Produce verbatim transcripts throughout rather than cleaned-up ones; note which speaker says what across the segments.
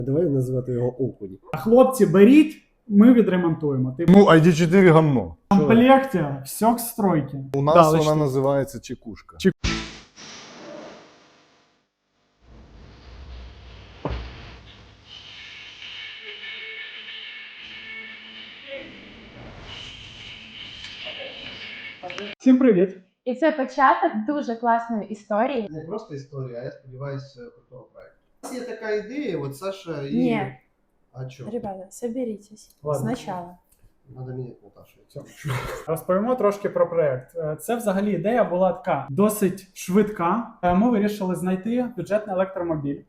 Speaker 1: Давай називати його Окунь.
Speaker 2: Хлопці, беріть, ми відремонтуємо. Типу,
Speaker 3: Ну, ай ді чотири гамно.
Speaker 2: в комплекті все к стройки.
Speaker 3: У нас
Speaker 2: Да,
Speaker 3: вона
Speaker 2: лише-
Speaker 3: називається чекушка.
Speaker 2: Чек- Всім привіт!
Speaker 4: І це початок дуже класної історії.
Speaker 1: Не просто історія, а я сподіваюся, крутого проекту. У нас є така ідея, от Саша і...
Speaker 4: Ні.
Speaker 1: А що?
Speaker 4: Ребята, соберітесь.
Speaker 2: Ладно.
Speaker 4: Спочатку.
Speaker 1: Надо міняти Наташу.
Speaker 2: Розповімо трошки про проєкт. Це взагалі ідея була така досить швидка. Ми вирішили знайти бюджетний електромобіль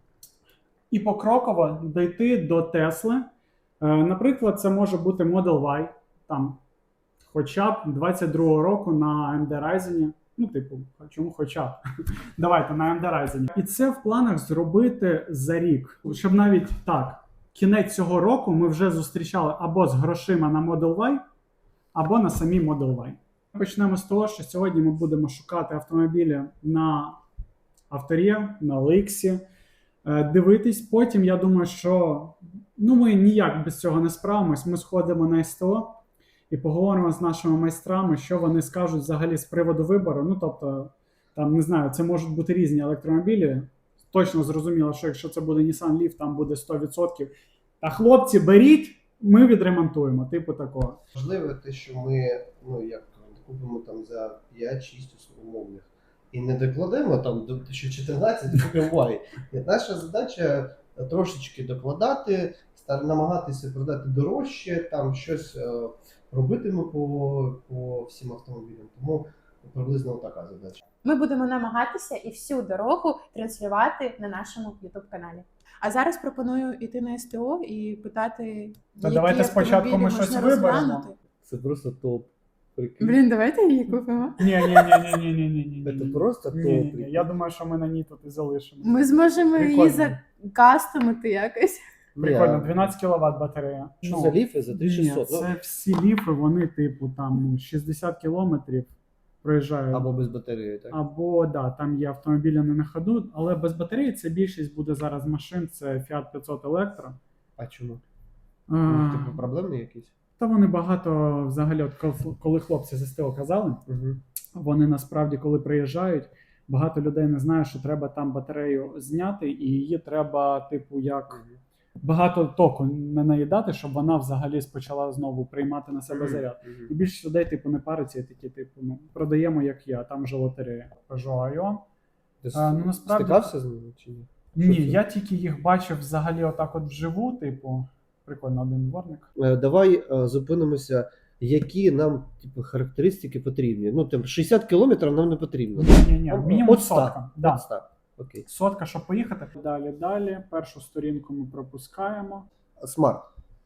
Speaker 2: і покроково дійти до Тесли. Наприклад, це може бути Model Y, там, хоча б двадцять другого року на ей ем ді Ryzen. Ну, типу, чому хоча б? Давайте, на ей ем ді Ryzen. І це в планах зробити за рік. Щоб навіть так, кінець цього року ми вже зустрічали або з грошима на Model Y, або на самій Model Y. Почнемо з того, що сьогодні ми будемо шукати автомобілі на Авторі, на Ел Ікс, дивитись. Потім, я думаю, що ну, ми ніяк без цього не справимось. Ми сходимо на ес те о і поговоримо з нашими майстрами, що вони скажуть взагалі з приводу вибору. Ну, тобто, там, не знаю, це можуть бути різні електромобілі. Точно зрозуміло, що якщо це буде Nissan Leaf, там буде сто відсотків. Та хлопці, беріть, ми відремонтуємо, типу такого.
Speaker 1: Важливо те, що ми, ну, як купимо там за п'ять-шість умовних і не докладемо там до тисяча чотирнадцять, купимо Y. Ні, наша задача трошечки докладати, стар- намагатися продати дорожче, там щось е, робитиме по, по всім автомобілям. Тому приблизно така задача.
Speaker 4: Ми будемо намагатися і всю дорогу транслювати на нашому ютуб-каналі. А зараз пропоную йти на ес те о і питати,
Speaker 2: Та
Speaker 4: які
Speaker 2: давайте спочатку
Speaker 4: автомобілі
Speaker 2: ми щось
Speaker 4: можна
Speaker 2: виберемо.
Speaker 4: розглянути.
Speaker 1: Це просто топ. Прикинь.
Speaker 4: Блін, давайте її купимо.
Speaker 2: Ні, ні, ні, ні, ні, ні, ні, ні.
Speaker 1: Це просто
Speaker 2: Ні, ні,
Speaker 1: топ.
Speaker 2: ні. Я думаю, що ми на ній тут і залишимо.
Speaker 4: Ми зможемо її
Speaker 2: Прикольно.
Speaker 4: закастомити якось.
Speaker 2: Прикольно, дванадцять кіловат батарея.
Speaker 1: Що
Speaker 2: Ну,
Speaker 1: за ліфи за
Speaker 2: ні,
Speaker 1: тисяча шістсот?
Speaker 2: це всі ліфи, вони типу там ну, шістдесят кілометрів проїжджають.
Speaker 1: Або без батареї, так?
Speaker 2: Або, да, там є автомобілі не на ходу, але без батареї це більшість буде зараз машин, це Fiat п'ятсот Electro.
Speaker 1: А чому?
Speaker 2: А,
Speaker 1: Ну, типу, проблемні якісь?
Speaker 2: Та вони багато, взагалі, от коли- коли хлопці з ес те о казали,
Speaker 1: Угу.
Speaker 2: вони насправді, коли приїжджають, багато людей не знає, що треба там батарею зняти, і її треба, типу, як багато току не наїдати, щоб вона взагалі почала знову приймати на себе заряд. І більшість людей, типу, не париться, і такі, типу, ну, продаємо, як я, там же лотерея. Peugeot Ion.
Speaker 1: Ти
Speaker 2: А, ну, насправді-
Speaker 1: стикався з ними чи ні?
Speaker 2: Ні,
Speaker 1: це?
Speaker 2: я тільки їх бачив взагалі отак от вживу, типу, прикольно, один дворник.
Speaker 1: Е, Давай е, зупинимося, які нам типу, характеристики потрібні. Ну, там шістдесят кілометрів нам не потрібно.
Speaker 2: Ні, ні, мінімум
Speaker 1: От ста.
Speaker 2: сотка. Да.
Speaker 1: От ста. Окей.
Speaker 2: Сотка, щоб поїхати. Далі, далі. Першу сторінку ми пропускаємо.
Speaker 1: Смарт.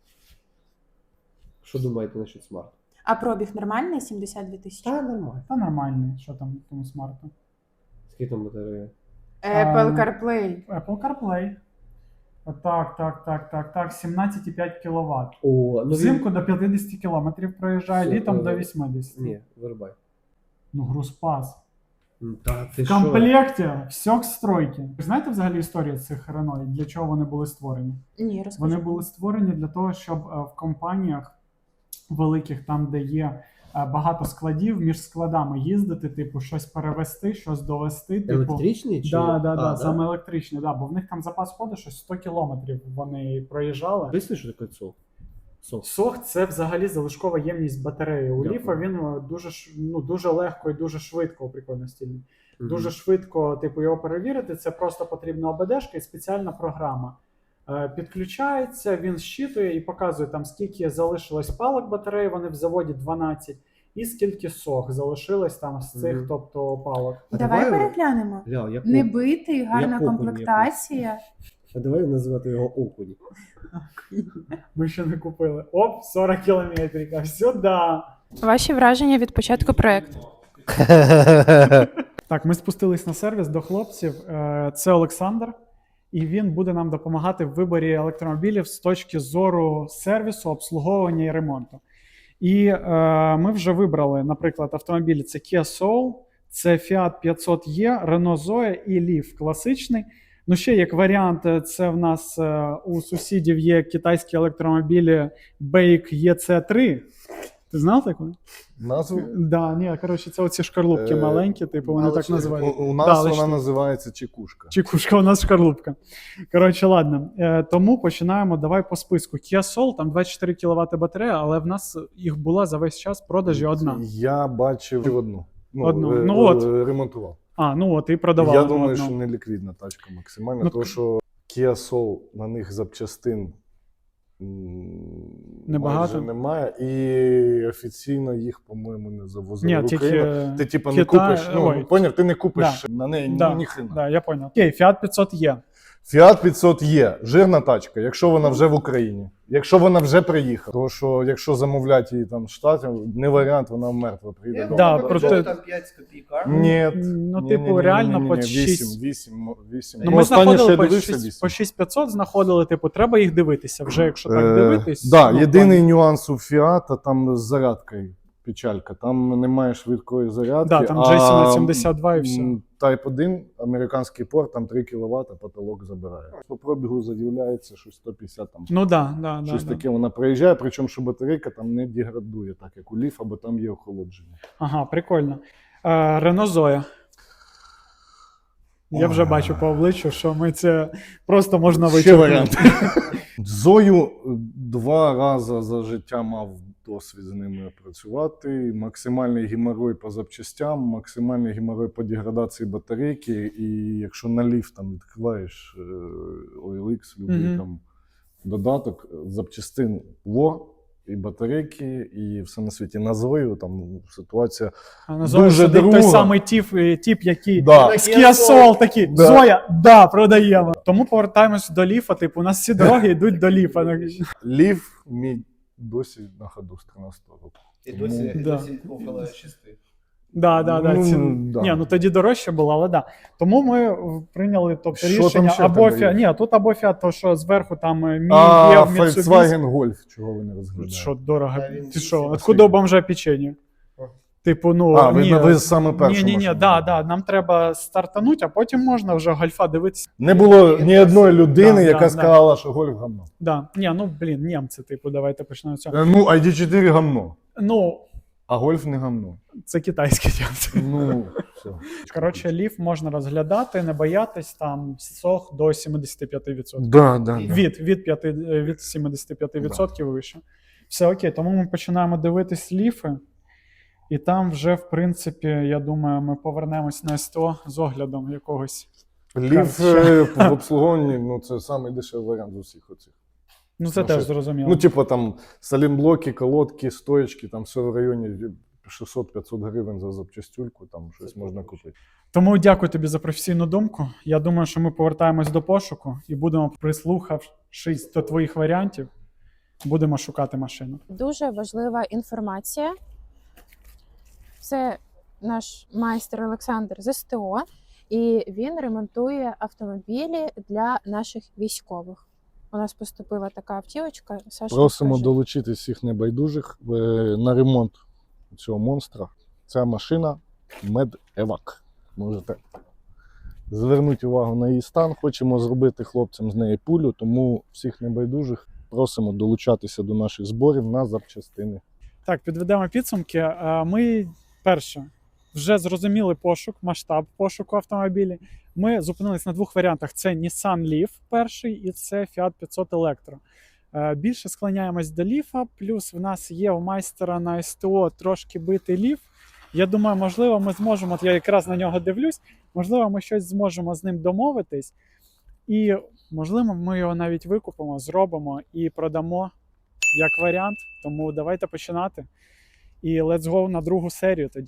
Speaker 1: Що думаєте насчет смарт?
Speaker 4: А пробіг нормальний? сімдесят дві тисячі?
Speaker 1: Та нормально.
Speaker 2: Та нормальний, що там в тому смарту.
Speaker 1: Скільки там батарея?
Speaker 4: Apple
Speaker 2: А,
Speaker 4: CarPlay.
Speaker 2: Apple CarPlay. Так, так, так, так, так, сімнадцять цілих п'ять кіловат.
Speaker 1: О, ну
Speaker 2: Взимку до п'ятдесят кілометрів проїжджає,
Speaker 1: Все,
Speaker 2: літом до
Speaker 1: е,
Speaker 2: вісімдесят.
Speaker 1: Ні, вирубай.
Speaker 2: Ну, грузпас.
Speaker 1: Ну, Та ти
Speaker 2: В
Speaker 1: що?
Speaker 2: комплекті все к стройки. Ви знаєте взагалі історію цих Renault, для чого вони були створені?
Speaker 4: Ні, розкажи.
Speaker 2: Вони були створені для того, щоб е, в компаніях великих, там, де є е, багато складів, між складами їздити, типу, щось перевезти, щось довести. Типу,
Speaker 1: Електричний чи?
Speaker 2: да, да,
Speaker 1: А,
Speaker 2: да, саме електричні, да, бо в них там запас ходу щось сто кілометрів вони проїжджали.
Speaker 1: Поясни, що таке ЦОВ? ЦОВ.
Speaker 2: Сох це взагалі залишкова ємність батареї. У
Speaker 1: Дякую.
Speaker 2: ліфа він е, дуже ш- ну, дуже легко і дуже швидко, прикольно стільний.
Speaker 1: Мгм.
Speaker 2: Дуже швидко, типу, його перевірити. Це просто потрібна ОБДшка і спеціальна програма. Е, Підключається, він щитує і показує там, скільки залишилось палок батареї, вони в заводі дванадцять, і скільки сох залишилось там з цих,
Speaker 1: Мгм.
Speaker 2: тобто, палок.
Speaker 1: А
Speaker 4: Давай
Speaker 1: давай-
Speaker 4: переглянемо.
Speaker 1: Ля, як
Speaker 4: Не
Speaker 1: окунь.
Speaker 4: битий, гарна
Speaker 1: Як окунь
Speaker 4: комплектація.
Speaker 1: А давай називати його окунь.
Speaker 2: Ми ще не купили. Оп, сорок кілометрів, а сюди.
Speaker 4: Ваші враження від початку проекту?
Speaker 2: Так, ми спустились на сервіс до хлопців. Е, Це Олександр, і він буде нам допомагати в виборі електромобілів з точки зору сервісу, обслуговування і ремонту. І е, ми вже вибрали, наприклад, автомобілі: це Kia Soul, це Fiat п'ятсот Е, Renault Zoe і Leaf класичний. Ну, ще як варіант, е, це в нас е, у сусідів є китайські електромобілі Бейк Е Це три. Ти знав таку?
Speaker 3: Назву?
Speaker 2: Да, ні, коротше, це оці шкарлупки
Speaker 3: Е,
Speaker 2: маленькі, типу, вони
Speaker 1: але
Speaker 2: так
Speaker 1: чи-
Speaker 2: називають.
Speaker 3: У, у
Speaker 2: Да,
Speaker 3: нас
Speaker 2: але
Speaker 3: вона
Speaker 2: що-
Speaker 3: називається чекушка.
Speaker 2: Чекушка, у нас шкарлупка. Коротше, ладно. Е, тому починаємо, давай по списку. Kia Soul, там двадцять чотири кіловати батарея, але в нас їх була за весь час продажі одна.
Speaker 3: Я бачив одну. Ну,
Speaker 2: Одну.
Speaker 3: е,
Speaker 2: Ну,
Speaker 3: е,
Speaker 2: от.
Speaker 3: ремонтував.
Speaker 2: А, ну от, і продавали.
Speaker 3: Я
Speaker 2: одну.
Speaker 3: думаю, що не ліквідна тачка максимально,
Speaker 2: Ну,
Speaker 3: тому що Kia Soul, на них запчастин м,
Speaker 2: Небагато?
Speaker 3: майже немає, і офіційно їх, по-моєму, не завозили
Speaker 2: Ні,
Speaker 3: в
Speaker 2: тільки
Speaker 3: Україну. Ти типа не
Speaker 2: Китай-
Speaker 3: купиш, ну,
Speaker 2: ой.
Speaker 3: поняв, ти не купиш на неї
Speaker 2: Да,
Speaker 3: ні, ніхрена.
Speaker 2: Да, я понял. Окей, Fiat п'ятсот є.
Speaker 3: Fiat п'ятсот є, жирна тачка, якщо вона вже в Україні, якщо вона вже приїхала. Тому що якщо замовлять її там в Штатів, не варіант, вона мертва прийде.
Speaker 1: Я
Speaker 3: дома.
Speaker 2: Да,
Speaker 1: думаю,
Speaker 2: проте-
Speaker 1: бюджет там п'ять з копійками.
Speaker 3: Ні.
Speaker 2: Ну, типу, реально по шість.
Speaker 3: вісім, вісім.
Speaker 2: Ну, ми знаходили по
Speaker 3: дивився
Speaker 2: шість-
Speaker 3: вісім.
Speaker 2: по шість п'ятсот знаходили, типу, треба їх дивитися. Вже якщо так
Speaker 3: Е,
Speaker 2: дивитись.
Speaker 3: Да,
Speaker 2: ну,
Speaker 3: єдиний
Speaker 2: плані.
Speaker 3: нюанс у Фіата там з зарядкою печалька. Там немає швидкої зарядки.
Speaker 2: Да, там
Speaker 3: а,
Speaker 2: джей сім сімдесят два і все.
Speaker 3: м, Type один, американський порт, там три кіловати, потолок забирає. По пробігу заявляється, що сто п'ятдесят там.
Speaker 2: Ну да, да, да,
Speaker 3: Щось
Speaker 2: да.
Speaker 3: таке вона проїжджає, причому що батарейка там не деградує, так як у Ліфа, бо там є охолодження.
Speaker 2: Ага, прикольно. Е, Рено Зоя. Я вже
Speaker 3: Ой.
Speaker 2: бачу по обличчю, що ми це просто можна
Speaker 3: Ще
Speaker 2: вичерпнути.
Speaker 3: варіант. Зою два рази за життя мав досвід з ними працювати. Максимальний геморой по запчастям, максимальний геморой по деградації батарейки. І якщо на ліфт там відкриваєш е, о ел ікс, любий
Speaker 2: Мгм.
Speaker 3: там додаток, запчастин ло, і батарейки, і все на світі. На Зою там ситуація.
Speaker 2: А на Зою
Speaker 3: Дуже
Speaker 2: сидить той
Speaker 3: друга.
Speaker 2: самий тіп, е, тіп який
Speaker 3: Да.
Speaker 2: з Kia Soul такий,
Speaker 3: Да.
Speaker 2: Зоя, да, продаємо. Тому повертаємось до ліфа, типу, у нас всі дороги йдуть до ліфа.
Speaker 3: Ліф мій досі на ходу з тринадцятого року.
Speaker 1: І досі, і
Speaker 2: Да.
Speaker 1: досі около шести.
Speaker 2: Да, да, да.
Speaker 3: Ну,
Speaker 2: Ці...
Speaker 3: да.
Speaker 2: Ні, ну тоді дорожче було, але да. Тому ми в- прийняли тобто,
Speaker 3: Що там
Speaker 2: рішення
Speaker 3: ще
Speaker 2: або
Speaker 3: в тебе є?
Speaker 2: Фіат. Ні, тут або Фіат, то що зверху там е, мій
Speaker 3: А
Speaker 2: є в Mitsubishi.
Speaker 3: Volkswagen Golf, чого ви не розглядаєте?
Speaker 2: Що дорого?
Speaker 1: Та він
Speaker 2: Ти що,
Speaker 1: вісім.
Speaker 2: откуда у бомжа печенье?
Speaker 1: О.
Speaker 2: Типу, ну,
Speaker 3: А, ви,
Speaker 2: ні,
Speaker 3: ви саме першу
Speaker 2: ні, ні, ні,
Speaker 3: машину.
Speaker 2: да, да, нам треба стартануть, а потім можна вже гольфа дивитися.
Speaker 3: Не було ні одної людини,
Speaker 2: Да,
Speaker 3: яка
Speaker 2: да,
Speaker 3: сказала, що гольф гамно.
Speaker 2: Да. Ні, ну, блін, німці, типу, давайте почнемо з цього.
Speaker 3: Е, Ну, ай ді чотири гамно,
Speaker 2: Ну,
Speaker 3: а гольф не гамно.
Speaker 2: це китайські німці.
Speaker 3: Ну, все.
Speaker 2: Коротше, ліф можна розглядати, не боятись, там сох до сімдесят п'ять відсотків.
Speaker 3: Да, да, да.
Speaker 2: Від, від, п'яти, від сімдесят п'ять відсотків вище. Все окей, тому ми починаємо дивитись ліфи. І там вже, в принципі, я думаю, ми повернемось на СТО з оглядом якогось.
Speaker 3: Ліф е, в обслуговуванні, ну, це найдешевший дешевий варіант з усіх оцих.
Speaker 2: Ну, це
Speaker 3: Ну,
Speaker 2: теж
Speaker 3: що-
Speaker 2: зрозуміло.
Speaker 3: Ну, типу, там салімблоки, колодки, стоечки, там все в районі шістсот-п'ятсот гривень за запчастюльку, там щось можна купити.
Speaker 2: Тому дякую тобі за професійну думку. Я думаю, що ми повертаємось до пошуку і будемо, прислухавшись до твоїх варіантів, будемо шукати машину.
Speaker 4: Дуже важлива інформація. Це наш майстер Олександр з СТО, і він ремонтує автомобілі для наших військових. У нас поступила така автівочка. Саша,
Speaker 3: Просимо
Speaker 4: розкажи.
Speaker 3: долучити всіх небайдужих е, на ремонт цього монстра. Ця машина Медевак. Можете звернути увагу на її стан. Хочемо зробити хлопцям з неї пулю, тому всіх небайдужих просимо долучатися до наших зборів на запчастини.
Speaker 2: Так, підведемо підсумки. Е, Ми, перше, вже зрозуміли пошук, масштаб пошуку автомобілів. Ми зупинились на двох варіантах: це Nissan Leaf перший і це Fiat п'ятсот Electro. Е, Більше склоняємось до Leaf, плюс в нас є у майстера на СТО трошки битий Leaf. Я думаю, можливо, ми зможемо, от я якраз на нього дивлюсь, можливо, ми щось зможемо з ним домовитись. І, можливо, ми його навіть викупимо, зробимо і продамо як варіант. Тому давайте починати. І let's go на другу серію тоді.